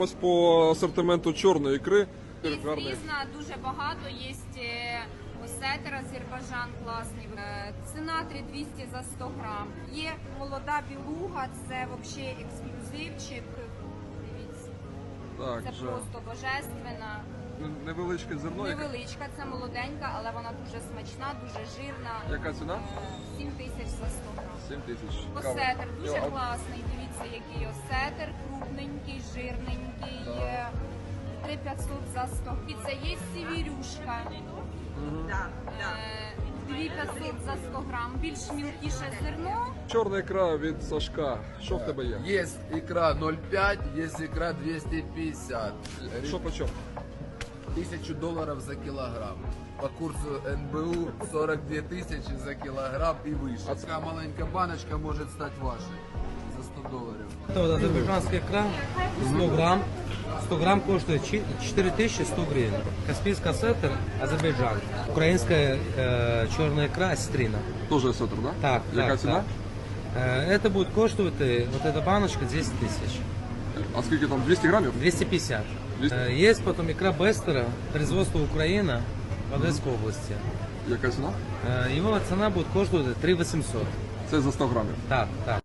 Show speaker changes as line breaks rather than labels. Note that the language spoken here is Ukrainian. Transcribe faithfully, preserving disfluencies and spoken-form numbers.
Ось по асортименту чорної ікри.
Є різна, дуже багато. Є осетер Азербайджан класний. Е, Ціна три тисячі двісті за сто грам. Є молода білуга, це взагалі ексклюзивчик. Дивіться,
Так,
це
вже
просто божественна.
невеличке зерно. яке-
Невеличка, це молоденька, але вона дуже смачна, дуже жирна.
Яка ціна?
Е, сім тисяч за сто грам.
сім тисяч.
Осетер дуже
Йо, а-
класний. Дивіться, який осетер, крупненький, жирненький.
Так.
е, три тисячі п'ятсот за сто. І це є сівірюшка.
Да, да.
Е, дві тисячі п'ятсот за сто грам. Більш мілкіше зерно.
Чорна ікра від Сашка. Що в тебе є?
Есть икра ноль пять, есть икра двести пятьдесят.
Що по чому?
Тысячу долларов за килограмм. По курсу эн бэ у сорок две тысячи за килограмм и выше. А такая маленькая баночка может стать вашей за сто долларов.
Это вот азербайджанская икра, сто грамм. сто грамм коштует четыре тысячи сто гривен. Каспийский осетр, Азербайджан. Украинская э, черная икра, осетрина.
Теж осетр, да?
Так,
Яка
так,
ціна?
так. Э, Это будет коштовать, э, вот эта баночка, десять тысяч.
А скільки там? двісті грамів?
двести пятьдесят.
двести?
Э, Есть потом икра Бестера, производство Украина, в Одесской области.
Яка ціна?
Э, Его цена будет коштовать три восемьсот.
Це за сто грамів.
Так, так.